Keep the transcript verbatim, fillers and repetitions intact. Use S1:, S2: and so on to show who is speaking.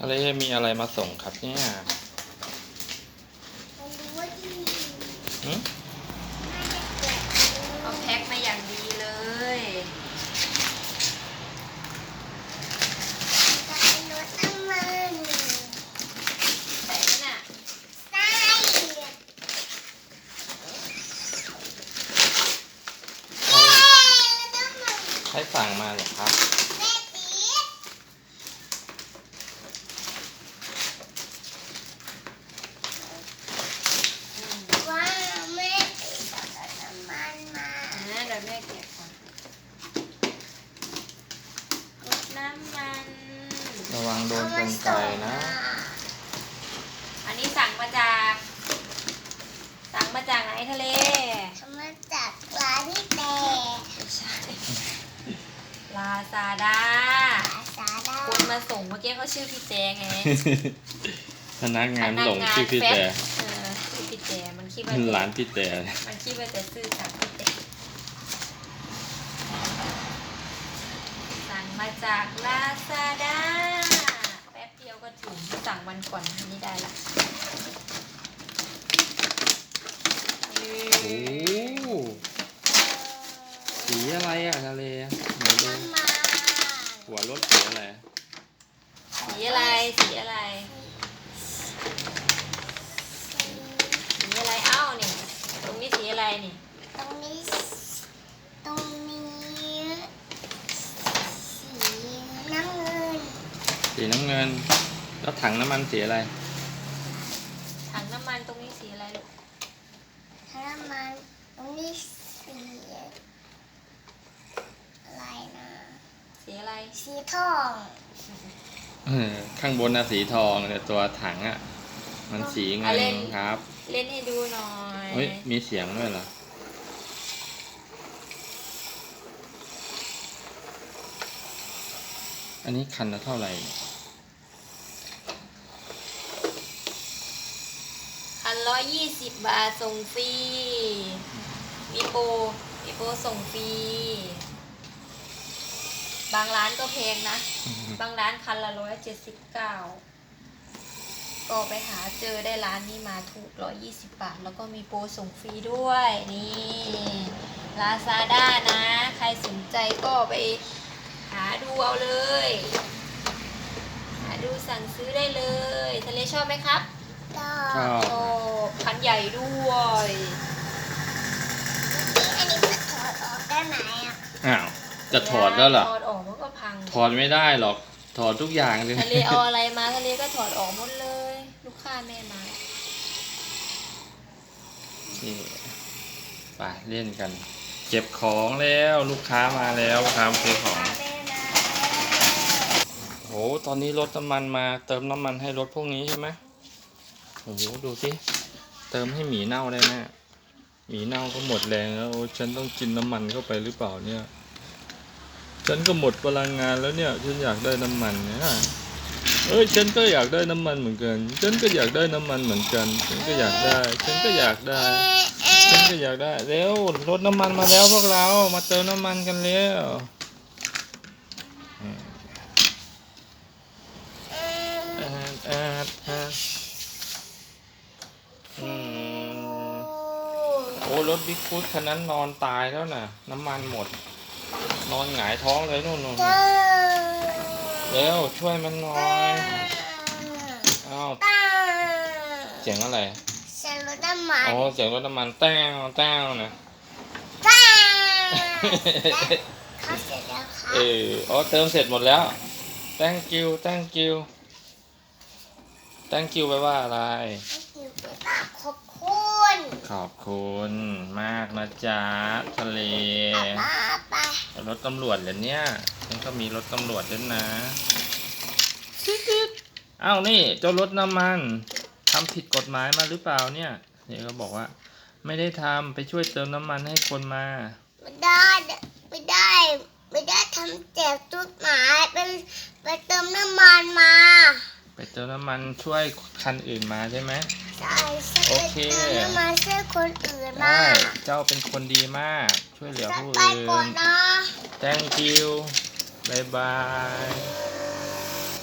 S1: ทะเลมีอะไรมาส่งครับเนี่ยหืม
S2: เอาแพ็คมาอย่างดีเลยรถน้ำมันใส่น่ะใส่
S1: ใครสั่งมาเหรอครับ
S2: เดี๋ยวแม่เก็บก่อนรดน้ำมัน
S1: ระวังโดนกรรไกรนะ
S2: อันนี้สั่งมาจากสั่งมาจากไหนทะเลมาจากร้านที่แต่ไม่ใช่ลาซาด้าลาซาด้าคนมาส่งเมื่อกี้เขาชื่อพี่แจงไง
S1: พนักงานส่งชื่อพี่แจ
S2: เออชื่อพี่แจมันคิดว่า
S1: ร้านพี่แจ
S2: มันคิดว่าจะซื้อจากพี่แจสั่งมาจากลาซาด้าแป๊บเดียวก็ถึงสั่งวันก่อนอันนี้ได้ละ
S1: โอ้สีอะไรอ่ะทะเลไหนดูหัวรถสีอะไร
S2: สีอะไรสีอะไรสีอะไรเอ้านี่ตรงนี้สีอะไรนี่ตรงนี้ตรงนี้สีน้ำเงิน
S1: สีน้ำเงินแล้วถังน้ำมันสีอะไร
S2: ถังน้ำมันตรงนี้สีอะไรลูกถังน้ำมันตรงนี้สีอะไรนะสีอะไรสีทอง
S1: ข้างบนน่ะสีทองแต่ตัวถังอ่ะมันสีเงินครับ
S2: เล่นให้ดูหน่อย
S1: เฮ้ยมีเสียงด้วยเหรออันนี้คันละเท่าไหร่
S2: คันร้อยยี่สิบบาทส่งฟรีมีโปรมีโปรส่งฟรีบางร้านก็แพงนะบางร้านคันละร้อยเจ็ดสิบเก้าก็ไปหาเจอได้ร้านนี้มาถูกร้อยยี่สิบบาทแล้วก็มีโปรส่งฟรีด้วยนี่ลาซาด้านะใครสนใจก็ไปหาดูเอาเลยหาดูสั่งซื้อได้เลยทะเลชอบไหมครับชอบชอบคันใหญ่ด้วยอันนี้จะถอดออกได้ไหมอ่ะ
S1: อ้าวจะถอดแล้วเหรอ
S2: ถอดออกมันก็พัง
S1: ถอดไม่ได้หรอกถอดทุกอย่างเลย
S2: ทะเลเอาอะไรมาทะเลก็ถอดออกหมดเลยลูกค้าแม่มา
S1: นี่ไปเล่นกันเก็บของแล้วลูกค้ามาแล้วทำซื้อของโอ้ตอนนี้รถน้ำมันมาเติมน้ำมันให้รถพวกนี้ใช่ไหมโอ้โหดูสิเติมให้หมีเน่าได้แน่หมีเน่าก็หมดแรงแล้วโอ้ฉันต้องกินน้ำมันเข้าไปหรือเปล่าเนี่ยฉันก็หมดพลังงานแล้วเนี่ยฉันอยากได้น้ำมันเนี่ยเอ้ยฉันก็อยากได้น้ำมันเหมือนกันฉันก็อยากได้น้ำมันเหมือนกันฉันก็อยากได้ฉันก็อยากได้ฉันก็อยากได้เร็วรถน้ำมันมาแล้วพวกเรามาเติมน้ำมันกันเร็วโอ้รถบิ๊กฟูดคันนั้นนอนตายแล้วน่ะน้ำมันหมดนอนหงายท้องเลยนู่นนู่นเร็วช่วยมันหน่อยอ้าวเสียงอะไร
S2: เสียงรถน้ำมัน
S1: อ๋อเสียงรถน้ำมันแต้วแต้วนะ
S2: เขาเสร็จแล้วค่ะ
S1: เอออ๋อเติมเสร็จหมดแล้ว thank you thank you thank you แปลว่าอะไร
S2: ขอบคุณ
S1: ขอบคุณมากนะจ๊ะทะเลรถตำรวจเหรอเนี่ยฉันก็มีรถตำรวจด้วยนะอ้าวนี่เจ้ารถน้ำมันทำผิดกฎหมายมาหรือเปล่าเนี่ยเนี่ยเขาบอกว่าไม่ได้ทำไปช่วยเติมน้ำมันให้คนมา
S2: ไม่ได้ไม่ได้ไม่ได้ทำแจกจุดหมายเป็นไปเติมน้ำมันมา
S1: ไปเติมน้ำมันช่วยคันอื่นมาใช่ไหม
S2: ใช่โอเคเติมน้ำมันช่วยคนอื่นมา
S1: เจ้าเป็นคนดีมากช่วยเหลือผู้อื่น
S2: Thank you
S1: บ๊ายบาย